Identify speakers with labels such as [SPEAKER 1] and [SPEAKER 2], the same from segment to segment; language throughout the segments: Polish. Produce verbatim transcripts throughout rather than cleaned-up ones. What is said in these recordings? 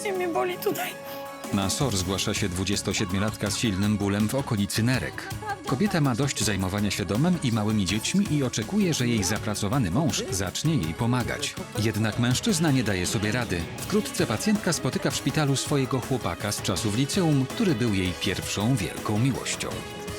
[SPEAKER 1] strasznie mnie boli tutaj.
[SPEAKER 2] Na S O R zgłasza się dwudziestosiedmiolatka z silnym bólem w okolicy nerek. Kobieta ma dość zajmowania się domem i małymi dziećmi i oczekuje, że jej zapracowany mąż zacznie jej pomagać. Jednak mężczyzna nie daje sobie rady. Wkrótce pacjentka spotyka w szpitalu swojego chłopaka z czasów liceum, który był jej pierwszą wielką miłością.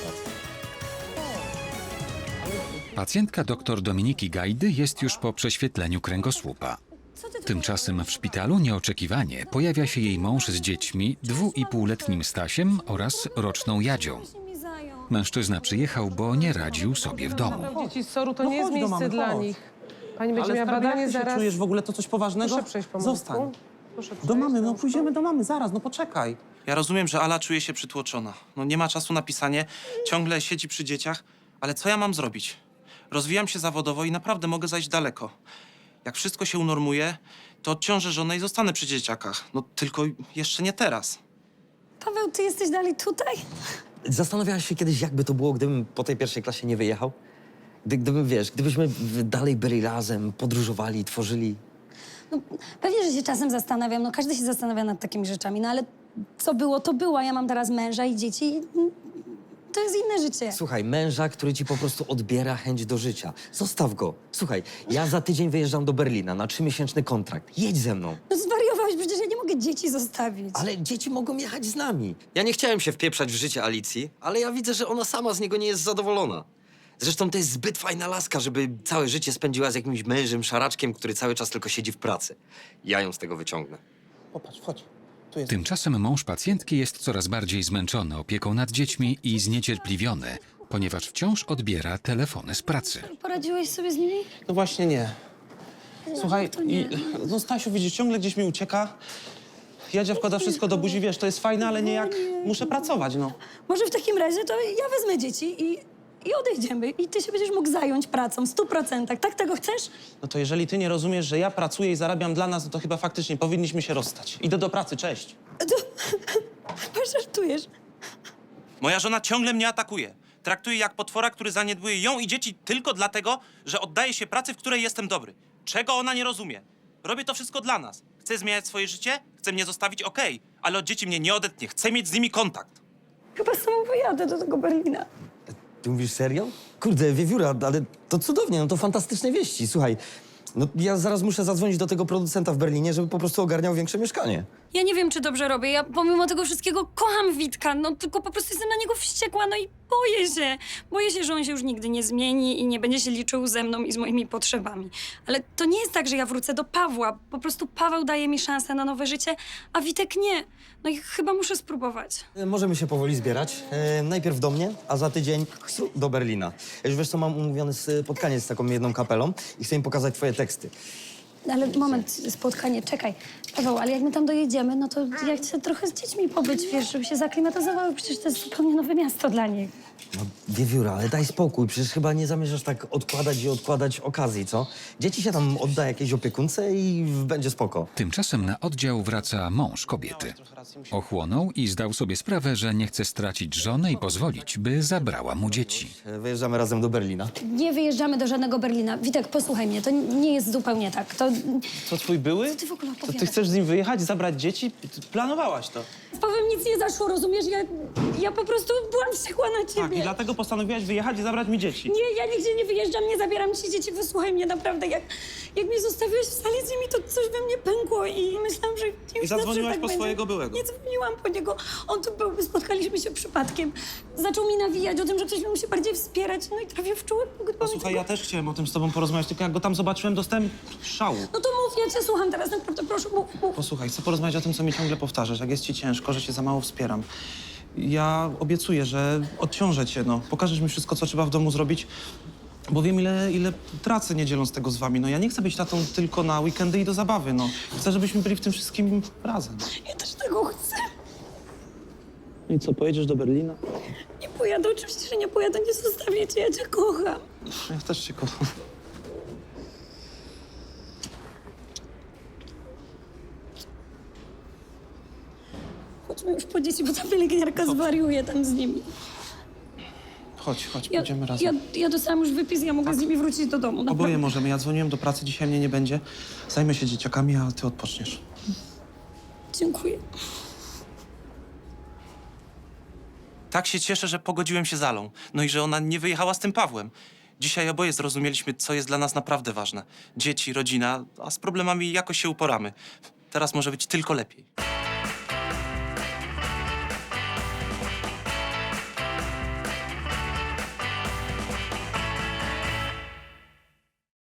[SPEAKER 2] Pacjentka dr Dominiki Gajdy jest już po prześwietleniu kręgosłupa. Tymczasem w szpitalu nieoczekiwanie pojawia się jej mąż z dziećmi, dwuipółletnim Stasiem oraz roczną Jadzią. Mężczyzna przyjechał, bo nie radził sobie w domu.
[SPEAKER 3] Dzieci z soru to
[SPEAKER 4] No
[SPEAKER 3] nie jest
[SPEAKER 4] chodź do
[SPEAKER 3] miejsce
[SPEAKER 4] mamy,
[SPEAKER 3] dla
[SPEAKER 4] chodź.
[SPEAKER 3] nich. Pani będzie
[SPEAKER 4] Ale
[SPEAKER 3] miała
[SPEAKER 4] skarbie,
[SPEAKER 3] badanie
[SPEAKER 4] jak ty się
[SPEAKER 3] zaraz.
[SPEAKER 4] czujesz w ogóle, to coś poważnego?
[SPEAKER 3] Proszę przejść po
[SPEAKER 4] Zostań.
[SPEAKER 3] mostku. Proszę przejść,
[SPEAKER 4] Do mamy, no
[SPEAKER 3] mostku.
[SPEAKER 4] pójdziemy do mamy, zaraz, no poczekaj.
[SPEAKER 5] Ja rozumiem, że Ala czuje się przytłoczona. No nie ma czasu na pisanie, ciągle siedzi przy dzieciach, ale co ja mam zrobić? Rozwijam się zawodowo i naprawdę mogę zajść daleko. Jak wszystko się unormuje, to odciążę żonę i zostanę przy dzieciakach. No tylko jeszcze nie teraz.
[SPEAKER 1] Paweł, ty jesteś dalej tutaj?
[SPEAKER 6] Zastanawiałaś się kiedyś, jakby to było, gdybym po tej pierwszej klasie nie wyjechał? Gdy, gdybym, wiesz, gdybyśmy w- dalej byli razem, podróżowali, tworzyli.
[SPEAKER 1] No, pewnie, że się czasem zastanawiam, no każdy się zastanawia nad takimi rzeczami, no ale co było, to było. Ja mam teraz męża i dzieci i mm, to jest inne życie.
[SPEAKER 6] Słuchaj, męża, który ci po prostu odbiera chęć do życia. Zostaw go. Słuchaj, ja za tydzień wyjeżdżam do Berlina na trzymiesięczny kontrakt. Jedź ze mną.
[SPEAKER 1] No zwariowałeś, przecież ja nie mogę dzieci zostawić.
[SPEAKER 6] Ale dzieci mogą jechać z nami. Ja nie chciałem się wpieprzać w życie Alicji, ale ja widzę, że ona sama z niego nie jest zadowolona. Zresztą to jest zbyt fajna laska, żeby całe życie spędziła z jakimś mężem, szaraczkiem, który cały czas tylko siedzi w pracy. Ja ją z tego wyciągnę.
[SPEAKER 4] Popatrz, chodź. Tu jest.
[SPEAKER 2] Tymczasem mąż pacjentki jest coraz bardziej zmęczony opieką nad dziećmi i zniecierpliwiony, ponieważ wciąż odbiera telefony z pracy.
[SPEAKER 1] Poradziłeś sobie z nimi?
[SPEAKER 4] No właśnie nie. Słuchaj,
[SPEAKER 1] to nie.
[SPEAKER 4] i, no Stasiu, widzisz, ciągle gdzieś mi ucieka. Jadzia wkłada wszystko do buzi, wiesz, to jest fajne, ale nie jak muszę pracować, no.
[SPEAKER 1] Może w takim razie to ja wezmę dzieci i, i odejdziemy. I ty się będziesz mógł zająć pracą w stu procentach. Tak tego chcesz?
[SPEAKER 4] No to jeżeli ty nie rozumiesz, że ja pracuję i zarabiam dla nas, no to chyba faktycznie powinniśmy się rozstać. Idę do pracy, cześć.
[SPEAKER 1] To... Żartujesz.
[SPEAKER 5] Moja żona ciągle mnie atakuje. Traktuje jak potwora, który zaniedbuje ją i dzieci tylko dlatego, że oddaje się pracy, w której jestem dobry. Czego ona nie rozumie? Robię to wszystko dla nas. Chcę zmieniać swoje życie, chce mnie zostawić, okej, ale od dzieci mnie nie odetnie. Chcę mieć z nimi kontakt.
[SPEAKER 1] Chyba sama pojadę do tego Berlina.
[SPEAKER 6] Ty mówisz serio? Kurde, wiewióra, ale to cudownie, no to fantastyczne wieści. Słuchaj, no ja zaraz muszę zadzwonić do tego producenta w Berlinie, żeby po prostu ogarniał większe mieszkanie.
[SPEAKER 1] Ja nie wiem, czy dobrze robię. Ja pomimo tego wszystkiego kocham Witka, no tylko po prostu jestem na niego wściekła, no i boję się. Boję się, że on się już nigdy nie zmieni i nie będzie się liczył ze mną i z moimi potrzebami. Ale to nie jest tak, że ja wrócę do Pawła. Po prostu Paweł daje mi szansę na nowe życie, a Witek nie. No i chyba muszę spróbować.
[SPEAKER 6] E, Możemy się powoli zbierać. E, najpierw do mnie, a za tydzień do Berlina. Już wiesz co, mam umówione spotkanie z taką jedną kapelą i chcę im pokazać twoje teksty.
[SPEAKER 1] Ale moment, spotkanie, czekaj. Paweł, ale jak my tam dojedziemy, no to ja chcę trochę z dziećmi pobyć, wiesz, żeby się zaklimatyzowały. Przecież to jest zupełnie nowe miasto dla nich.
[SPEAKER 6] No, wiewióra, ale daj spokój, przecież chyba nie zamierzasz tak odkładać i odkładać okazji, co? Dzieci się tam odda jakiejś opiekunce i będzie spoko.
[SPEAKER 2] Tymczasem na oddział wraca mąż kobiety. Ochłonął i zdał sobie sprawę, że nie chce stracić żony i pozwolić, by zabrała mu dzieci.
[SPEAKER 6] E, Wyjeżdżamy razem do Berlina.
[SPEAKER 1] Nie wyjeżdżamy do żadnego Berlina. Witek, posłuchaj mnie, to nie jest zupełnie tak. To...
[SPEAKER 4] Co, twój były?
[SPEAKER 1] Co ty w ogóle
[SPEAKER 4] To ty
[SPEAKER 1] opowiadasz?
[SPEAKER 4] chcesz z nim wyjechać, zabrać dzieci? Ty planowałaś to.
[SPEAKER 1] Z Pawłem nic nie zaszło, rozumiesz? Ja, ja po prostu byłam wściekła na ciebie.
[SPEAKER 4] Tak, i dlatego postanowiłaś wyjechać i zabrać mi dzieci.
[SPEAKER 1] Nie, ja nigdzie nie wyjeżdżam, nie zabieram ci dzieci, wysłuchaj mnie naprawdę. Jak, jak mnie zostawiłeś w sali z nimi, to coś we mnie pękło i myślałam, że już
[SPEAKER 4] I zadzwoniłaś
[SPEAKER 1] zawsze tak
[SPEAKER 4] po
[SPEAKER 1] będzie.
[SPEAKER 4] swojego byłego.
[SPEAKER 1] Nie dzwoniłam po niego. On tu był, spotkaliśmy się przypadkiem. Zaczął mi nawijać o tym, że ktoś mnie musi bardziej wspierać, no i trafię w czułek.
[SPEAKER 4] Posłuchaj, ja też chciałem o tym z tobą porozmawiać, tylko jak go tam zobaczyłem, dostałem szału.
[SPEAKER 1] No to mów, ja cię słucham teraz, naprawdę, proszę, mów, mów.
[SPEAKER 4] Posłuchaj, chcę porozmawiać o tym, co mi ciągle powtarzasz. Jak jest ci ciężko, że cię za mało wspieram. Ja obiecuję, że odciążę cię, no. Pokażesz mi wszystko, co trzeba w domu zrobić, bo wiem, ile, ile tracę, nie dzieląc tego z wami. No ja nie chcę być tatą tylko na weekendy i do zabawy, no. Chcę, żebyśmy byli w tym wszystkim razem.
[SPEAKER 1] Ja też tego chcę.
[SPEAKER 4] No i co, pojedziesz do Berlina?
[SPEAKER 1] Nie pojadę, oczywiście, że nie pojadę, nie zostawię cię, ja cię kocham.
[SPEAKER 4] Ja też cię kocham.
[SPEAKER 1] Chodźmy już po dzieci, bo ta pielęgniarka zwariuje tam z nimi.
[SPEAKER 4] Chodź, chodź,
[SPEAKER 1] Ja,
[SPEAKER 4] pójdziemy razem.
[SPEAKER 1] ja, ja dostałam już wypis, ja mogę z nimi wrócić do domu.
[SPEAKER 4] Oboje
[SPEAKER 1] naprawdę.
[SPEAKER 4] możemy. Ja dzwoniłem do pracy, dzisiaj mnie nie będzie. Zajmę się dzieciakami, a ty odpoczniesz.
[SPEAKER 1] Dziękuję.
[SPEAKER 5] Tak się cieszę, że pogodziłem się z Alą. No i że ona nie wyjechała z tym Pawłem. Dzisiaj oboje zrozumieliśmy, co jest dla nas naprawdę ważne. Dzieci, rodzina, a z problemami jakoś się uporamy. Teraz może być tylko lepiej.